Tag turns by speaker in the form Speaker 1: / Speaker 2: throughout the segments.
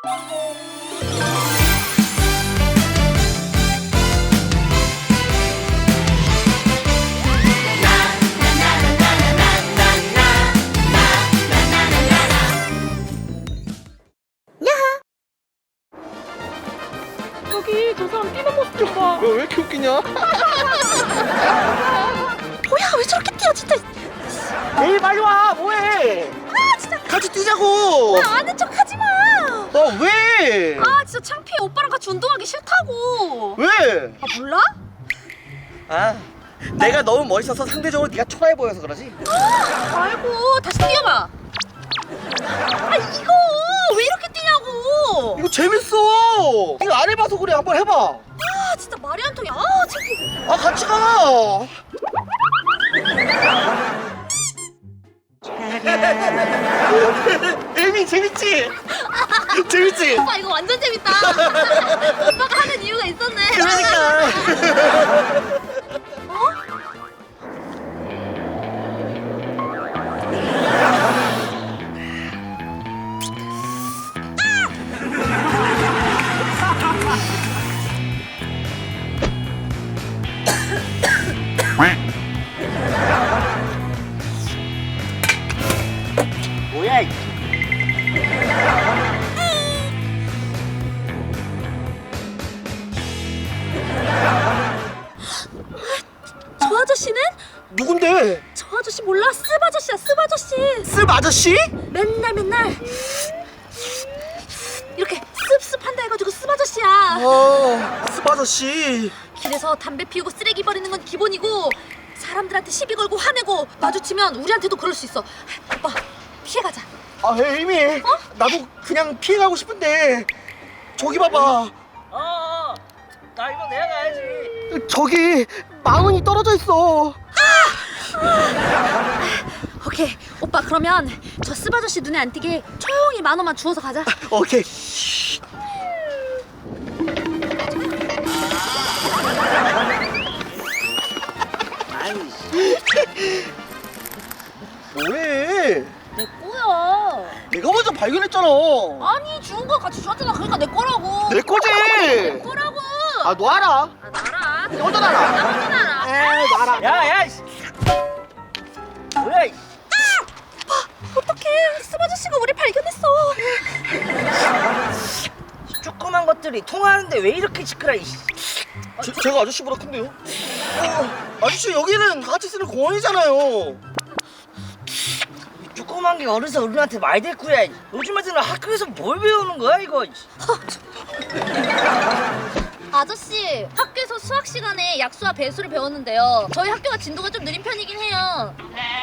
Speaker 1: 저기 저 사람 뛰는 모습 좀 봐.
Speaker 2: 왜 이렇게 웃기냐?
Speaker 1: 뭐야 왜 저렇게 뛰어 진짜.
Speaker 2: 에이 빨리 와 뭐해?
Speaker 1: 아 진짜.
Speaker 2: 같이 뛰자고.
Speaker 1: 나 아는 척 하지 마.
Speaker 2: 왜?
Speaker 1: 아 진짜 창피해. 오빠랑 같이 운동하기 싫다고.
Speaker 2: 왜?
Speaker 1: 아 몰라?
Speaker 2: 아 내가 너무 멋있어서 상대적으로 네가 초라해 보여서 그러지?
Speaker 1: 아이고 다시 뛰어봐. 아 이거 왜 이렇게 뛰냐고.
Speaker 2: 이거 재밌어. 이거 안 해봐서 그래. 한번 해봐.
Speaker 1: 아 진짜 말이 안 통해. 아 창피해.
Speaker 2: 아 같이 가. 에미 재밌지? 재밌지?
Speaker 1: 오빠 이거 완전 재밌다. 오빠가 하는 이유가 있었네.
Speaker 2: 그러니까. 뭐야?
Speaker 1: 저 아저씨는?
Speaker 2: 누군데?
Speaker 1: 저 아저씨 몰라? 습 아저씨야 습 아저씨.
Speaker 2: 습 아저씨?
Speaker 1: 맨날 이렇게 습습한다 해가지고 습 아저씨야.
Speaker 2: 습 아저씨.
Speaker 1: 길에서 담배 피우고 쓰레기 버리는 건 기본이고 사람들한테 시비 걸고 화내고 마주치면 우리한테도 그럴 수 있어. 오빠 피해가자.
Speaker 2: 아 에이미. 나도 그냥 피해가고 싶은데 저기 봐봐.
Speaker 3: 나 이거 내가 가야지.
Speaker 2: 저기 10,000원이 떨어져 있어.
Speaker 1: 오케이 오빠 그러면 저 습 아저씨 눈에 안 띄게 조용히 10,000원만 주워서 가자.
Speaker 2: 오케이. 뭐해?
Speaker 1: 내 거야.
Speaker 2: 내가 먼저 발견했잖아.
Speaker 1: 아니 주운 거 같이 주웠잖아. 그러니까 내 거라고.
Speaker 2: 내 거지.
Speaker 1: 내 거라고.
Speaker 2: 아 너 알아?
Speaker 1: 아, 나라.
Speaker 2: 너도 알아.
Speaker 1: 나 혼자 나라.
Speaker 2: 에이 너 알아.
Speaker 3: 야야. 뭐야?
Speaker 1: 어떡해. 습 아저씨가 우리 발견했어.
Speaker 3: 조그만 것들이 통하는데 왜 이렇게 시끄러?
Speaker 2: 제가 아저씨보다 큰데요? 아저씨 여기는 다 같이 쓰는 공원이잖아요.
Speaker 3: 조그만 게 어려서 어른한테 많이 됐구야. 요즘 애들은 학교에서 뭘 배우는 거야 이거?
Speaker 1: 아저씨 학교에서 수학 시간에 약수와 배수를 배웠는데요. 저희 학교가 진도가 좀 느린 편이긴 해요.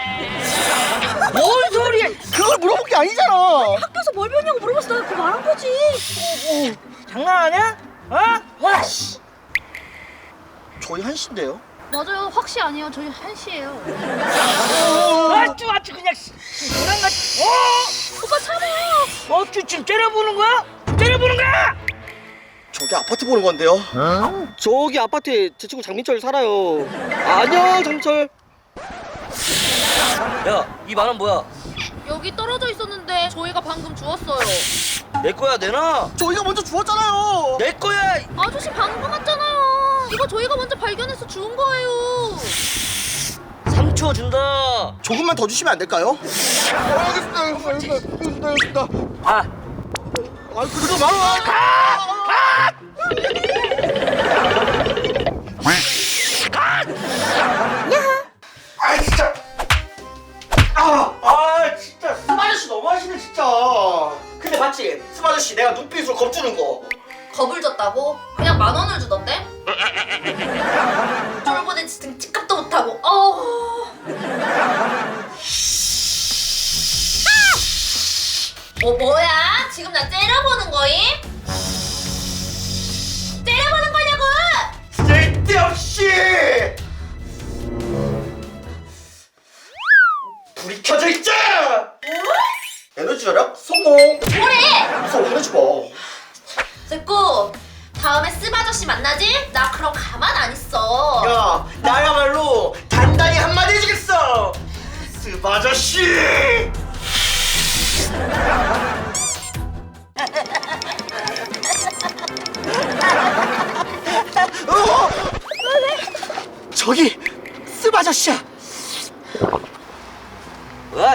Speaker 3: 뭔 소리야?
Speaker 2: 그걸 물어본 게 아니잖아.
Speaker 1: 학교에서 뭘 배웠냐고 물어봤어. 내가 그거 말한 거지.
Speaker 3: 장난하냐? 어? 와 씨.
Speaker 2: 저희 한신데요.
Speaker 1: 맞아요. 확시 아니에요. 저희 한시예요.
Speaker 3: 아주 그냥 장난같이.
Speaker 1: 오빠 참아.
Speaker 3: 어쭈 지금 째려보는 거야? 째려보는 거야?
Speaker 2: 저기 아파트 보는 건데요. 저기 아파트에 제 친구 장민철 살아요. 안녕 장민철.
Speaker 3: 야, 이 만원 뭐야?
Speaker 1: 여기 떨어져 있었는데 저희가 방금 주웠어요.
Speaker 3: 내 거야 내놔.
Speaker 2: 저희가 먼저 주웠잖아요.
Speaker 3: 내 거야.
Speaker 1: 아저씨 방금 왔잖아요. 이거 저희가 먼저 발견해서 주운 거예요.
Speaker 3: 3초 준다.
Speaker 2: 조금만 더 주시면 안 될까요? 알겠습니다.
Speaker 3: 아,
Speaker 2: 그거 말아. 아 진짜. 진짜 습 아저씨 너무하시네 진짜. 근데 봤지? 습 아저씨 내가 눈빛으로 겁주는 거.
Speaker 1: 겁을 줬다고? 그냥 10,000원을 주던데? 쫄보된 집값도 못하고. 뭐야? 지금 나 째려보는 거임? 째려보는 거냐고!
Speaker 2: 쓸데없이. 불이 켜져 있자. 에너지 절약 성공.
Speaker 1: 뭐래?
Speaker 2: 무서워 화내지 마.
Speaker 1: 됐고 다음에 습 아저씨 만나지? 나 그럼 가만 안 있어.
Speaker 2: 야 나야말로 단단히 한마디 해주겠어. 습 아저씨. 저기 습 아저씨야.
Speaker 3: 뭐야?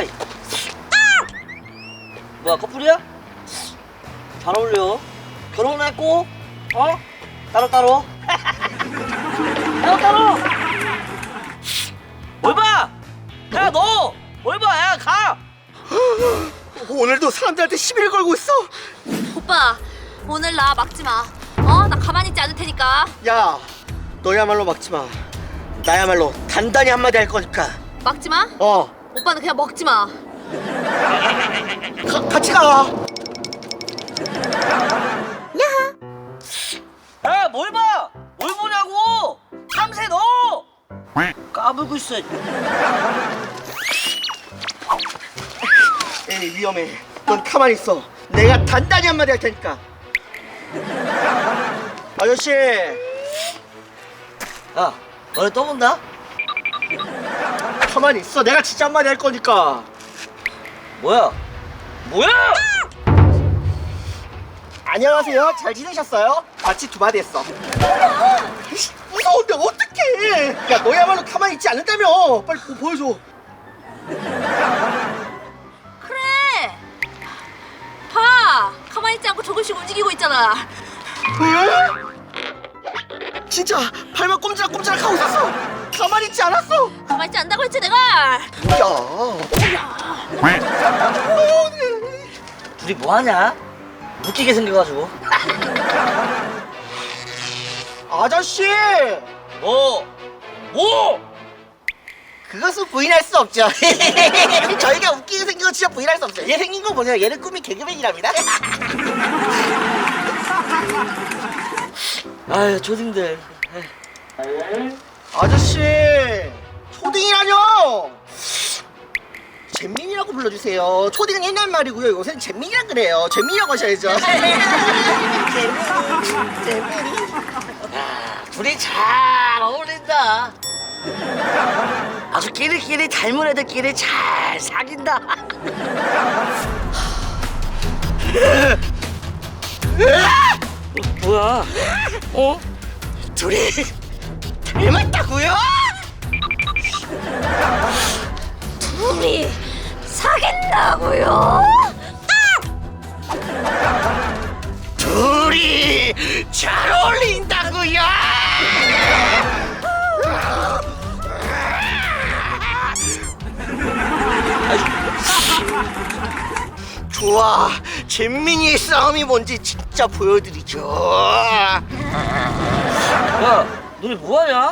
Speaker 3: 뭐야, 커플이야? 잘 어울려. 결혼했고, 어? 따로. 따로. 뭘 봐? 야, 너! 뭘 봐, 야, 가!
Speaker 2: 오늘도 사람들한테 시비를 걸고 있어.
Speaker 1: 오빠 오늘 나 막지 마. 어? 나 가만히 있지 않을 테니까.
Speaker 2: 야, 너야말로 막지 마. 나야말로 단단히 한마디 할 거니까.
Speaker 1: 막지 마?
Speaker 2: 어,
Speaker 1: 오빠는 그냥 먹지 마.
Speaker 2: 같이 가.
Speaker 3: 야, 뭘 봐! 뭘 보냐고! 참새 너! 까불고 있어.
Speaker 2: 에이, 위험해. 넌 가만히 있어. 내가 단단히 한마디 할 테니까. 아저씨,
Speaker 3: 야, 너네 떠본다?
Speaker 2: 가만히 있어. 내가 진짜 한마디 할 거니까.
Speaker 3: 뭐야?
Speaker 2: 안녕하세요. 잘 지내셨어요? 같이 두 마디 했어. 무서운데 어떡해. 야, 너야말로 가만히 있지 않는다며. 빨리 보여줘.
Speaker 1: 그래. 봐. 가만히 있지 않고 조금씩 움직이고 있잖아.
Speaker 2: 진짜 발만 꼼지락꼼지락 하고 있었어. 가만히 있지 않았어.
Speaker 1: 가만히 있지 않다고 했지 내가.
Speaker 3: 둘이 뭐하냐? 웃기게 생겨가지고.
Speaker 2: 아저씨,
Speaker 3: 뭐?
Speaker 2: 그것은 부인할 수 없죠. 저희가 웃기게 생긴 거 진짜 부인할 수 없어요. 얘 생긴 거 보세요. 얘는 꿈이 개그맨이랍니다.
Speaker 3: 아유, 초딩들.
Speaker 2: 아저씨, 초딩이라뇨. 잼민이라고 불러주세요. 초딩은 옛날 말이고요. 요새는 잼민이라 그래요. 잼민이라고 하셔야죠. 잼민이.
Speaker 3: 둘이 잘 어울린다. 아주 끼리끼리 닮은 애들끼리 잘 사귄다. 뭐야? 어?
Speaker 2: 둘이 닮았다고요?
Speaker 1: 둘이 사귄다고요?
Speaker 2: 둘이 잘 어울린다고요? 좋아, 잼민이의 싸움이 뭔지 진짜 보여드리죠.
Speaker 3: 야, 너네 뭐하냐?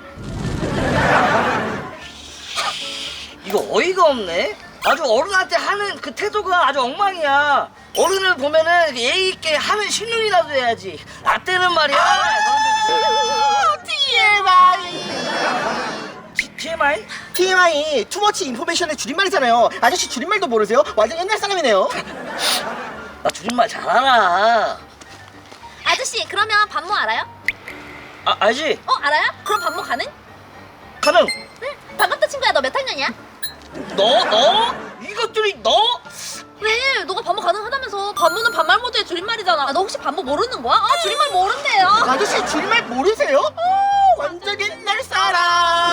Speaker 3: 이거 어이가 없네. 아주 어른한테 하는 그 태도가 아주 엉망이야. 어른을 보면은 예의 있게 하는 신용이라도 해야지. 나 때는 말이야. TMI?
Speaker 2: TMI, 투머치 인포메이션의 줄임말이잖아요. 아저씨 줄임말도 모르세요? 완전 옛날 사람이네요.
Speaker 3: 나 줄임말 잘 알아.
Speaker 1: 아저씨 그러면 반모 알아요?
Speaker 3: 아, 알지?
Speaker 1: 알아요? 그럼 반모 가능?
Speaker 3: 가능.
Speaker 1: 응. 반갑다 친구야. 너 몇 학년이야?
Speaker 3: 너? 이것들이 너?
Speaker 1: 왜? 너가 반모 가능하다면서. 반모는 반말 모드의 줄임말이잖아. 너 혹시 반모 모르는 거야? 줄임말 모른대요.
Speaker 2: 아저씨 줄임말 모르세요? 완전 옛날 사람.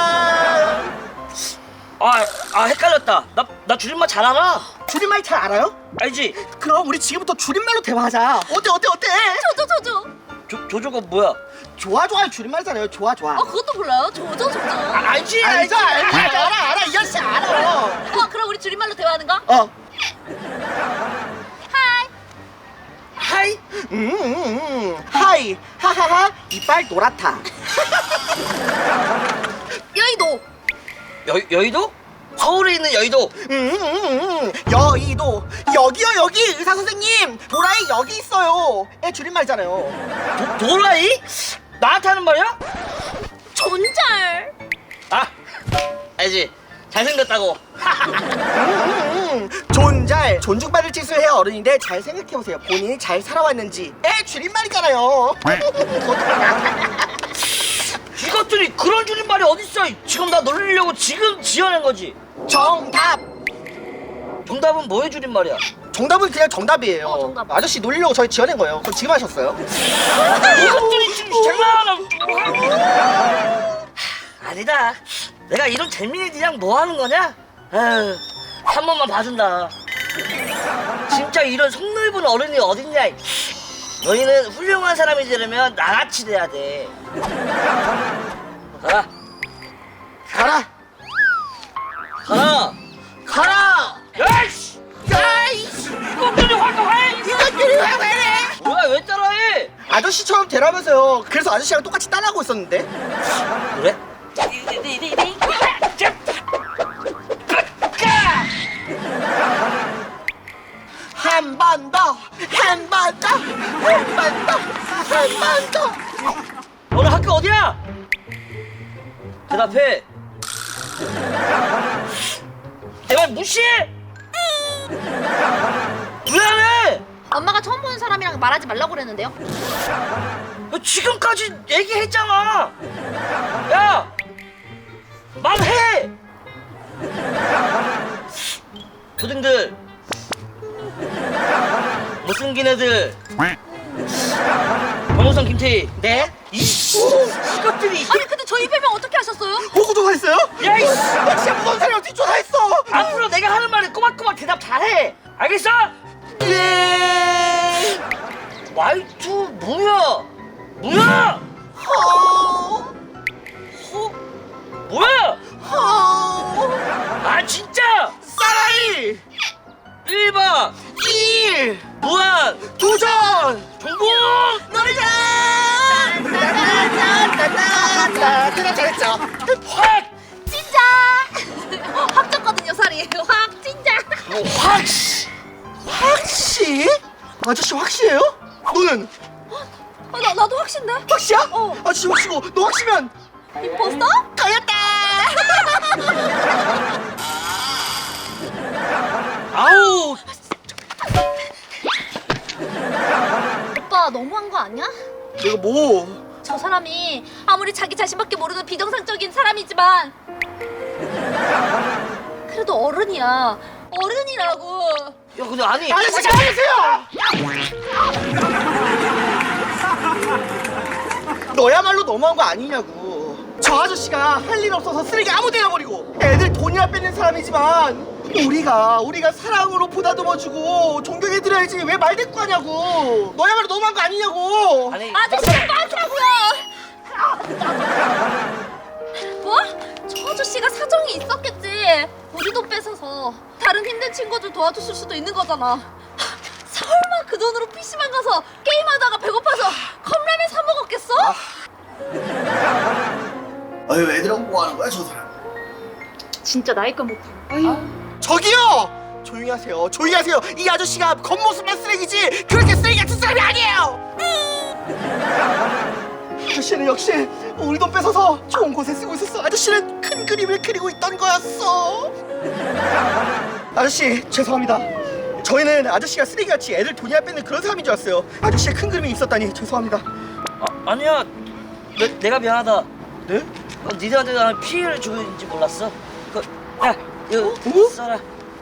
Speaker 3: 헷갈렸다. 나 줄임말 잘 알아.
Speaker 2: 줄임말 잘 알아요?
Speaker 3: 알지?
Speaker 2: 그럼 우리 지금부터 줄임말로 대화하자. 어때?
Speaker 1: 조조.
Speaker 3: 조조가 뭐야?
Speaker 2: 좋아 줄임말이잖아요. 좋아.
Speaker 1: 그것도 몰라요? 조조.
Speaker 2: 알지. 알아. 이 아저씨 알아.
Speaker 1: 그럼 우리 줄임말로 대화하는 거?
Speaker 3: 하이?
Speaker 2: 하이. 하하하. 이빨 노랗다.
Speaker 1: 여의도.
Speaker 3: 여의도? 서울에 있는 여의도.
Speaker 2: 여의도. 여기 의사 선생님. 도라이 여기 있어요. 애 줄임말이잖아요.
Speaker 3: 도라이? 나한테 하는 말이야?
Speaker 1: 존잘.
Speaker 3: 알지? 잘생겼다고.
Speaker 2: 존잘. 존중받을 짓을 해야 어른인데 잘 생각해보세요. 본인이 잘 살아왔는지. 애 줄임말이잖아요.
Speaker 3: 이것들이 그런 줄임말이 어딨어? 지금 나 놀리려고 지금 지어낸 거지. 정답은 뭐의 줄임말이야?
Speaker 2: 정답은 그냥 정답이에요.
Speaker 1: 정답.
Speaker 2: 아저씨 놀리려고 저희 지어낸 거예요. 그건 지금 하셨어요.
Speaker 3: 이것들이 지금 장난하나? 아니다. 내가 이런 재민이들이랑 뭐 하는 거냐? 에휴, 한 번만 봐준다. 진짜 이런 속 넓은 어른이 어딨냐? 너희는 훌륭한 사람이 되려면 나같이 돼야 돼. 가라.
Speaker 2: 가라.
Speaker 3: 가라.
Speaker 2: 가라.
Speaker 3: 야이씨!
Speaker 2: 야이씨.
Speaker 3: 이것들이 화가
Speaker 2: 이것들이 왜 그래?
Speaker 3: 뭐야, 왜 따라해?
Speaker 2: 아저씨처럼 되라면서요. 그래서 아저씨랑 똑같이 따라하고 있었는데.
Speaker 3: 그래?
Speaker 2: 한 번 더, 한 번 더, 한 번 더, 한 번 더.
Speaker 3: 너는 학교 어디야? 대답해. 내 말 무시해? 왜 안 해?
Speaker 1: 엄마가 처음 보는 사람이랑 말하지 말라고 그랬는데요.
Speaker 3: 지금까지 얘기했잖아. 야, 말해. 초딩들, 못생긴 애들, 변호사 김태희.
Speaker 2: 네?
Speaker 3: 이것들이.
Speaker 1: 아니 근데 저희 별명 어떻게 하셨어요?
Speaker 2: 보고도 했어요?
Speaker 3: 야, 이씨.
Speaker 2: 나 진짜 무서운 사람이 어떻게 쫓아했어?
Speaker 3: 앞으로 내가 하는 말에 꼬박꼬박 대답 잘해. 알겠어?
Speaker 2: 예.
Speaker 3: 말투 뭐야? 뭐야?
Speaker 2: 허.
Speaker 3: 뭐야?
Speaker 2: 허.
Speaker 3: 아 진짜?
Speaker 2: 사라이.
Speaker 3: 1번
Speaker 2: 1.
Speaker 3: 무한
Speaker 2: 도전.
Speaker 3: 정보.
Speaker 2: 노래자. 따따따따따따. 대답 잘했죠?
Speaker 3: 확.
Speaker 1: 진짜. 확 쪘거든요 살이. 확 진짜.
Speaker 3: 확.
Speaker 2: 확시? 아저씨 확시예요? 너는
Speaker 1: 나도 확신데.
Speaker 2: 확시야?
Speaker 1: 어.
Speaker 2: 아저씨 확시고 너 확시면
Speaker 1: 임포스터?
Speaker 2: 걸렸다.
Speaker 3: 아우.
Speaker 1: 오빠 너무한 거 아니야?
Speaker 2: 내가 뭐?
Speaker 1: 저 사람이 아무리 자기 자신밖에 모르는 비정상적인 사람이지만 그래도 어른이야. 어른이라고.
Speaker 3: 야 근데 아니.
Speaker 2: 아저씨 잘하세요. 너야말로 너무한 거 아니냐고. 저 아저씨가 할 일 없어서 쓰레기 아무 데나 버리고 애들 돈이나 뺏는 사람이지만 우리가 사랑으로 보다듬어주고 존경해드려야지 왜 말대꾸하냐고. 너야말로 너무한 거 아니냐고.
Speaker 3: 아니.
Speaker 1: 아저씨가 빠지라고요. 뭐? 저 아저씨가 사정이 있었겠지. 우리 돈 뺏어서 다른 힘든 친구들 도와줬을 수도 있는 거잖아. 설마 그 돈으로 PC방 가서 게임하다가 배고파서 컵라면 사 먹었겠어?
Speaker 2: 아유 애들하고 뭐 하는 거야 저 사람.
Speaker 1: 진짜 나이 건 못해.
Speaker 2: 저기요! 조용히 하세요. 조용히 하세요. 이 아저씨가 겉모습만 쓰레기지 그렇게 쓰레기 같은 사람이 아니에요. 아저씨는 역시 우리 돈 뺏어서 좋은 곳에 쓰고 있었어. 아저씨는 큰 그림을 그리고 있던 거였어. 아저씨 죄송합니다. 저희는 아저씨가 쓰레기같이 애들 돈이나 뺏는 그런 사람인 줄 알았어요. 아저씨의 큰 그림이 있었다니 죄송합니다.
Speaker 3: 아니야. 내가 미안하다.
Speaker 2: 네?
Speaker 3: 니들한테 나는 피해를 주고 있는지 몰랐어. 야, 이거
Speaker 2: 어?
Speaker 3: 써라.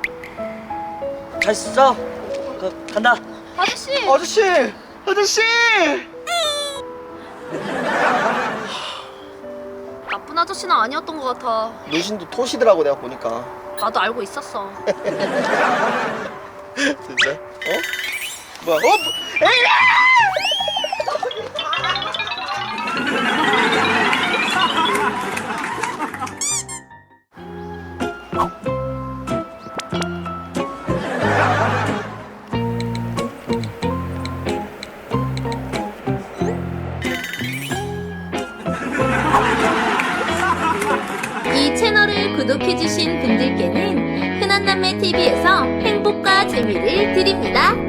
Speaker 3: 잘 써. 간다.
Speaker 1: 아저씨.
Speaker 2: 아저씨!
Speaker 1: 나쁜 아저씨는 아니었던 것 같아.
Speaker 2: 노신도 토시더라고 내가 보니까.
Speaker 1: 나도 알고 있었어.
Speaker 2: 진짜? 어? 뭐야? 에이!
Speaker 4: 이 채널을 구독해주신 분들께는 흔한남매TV에서 행복과 재미를 드립니다.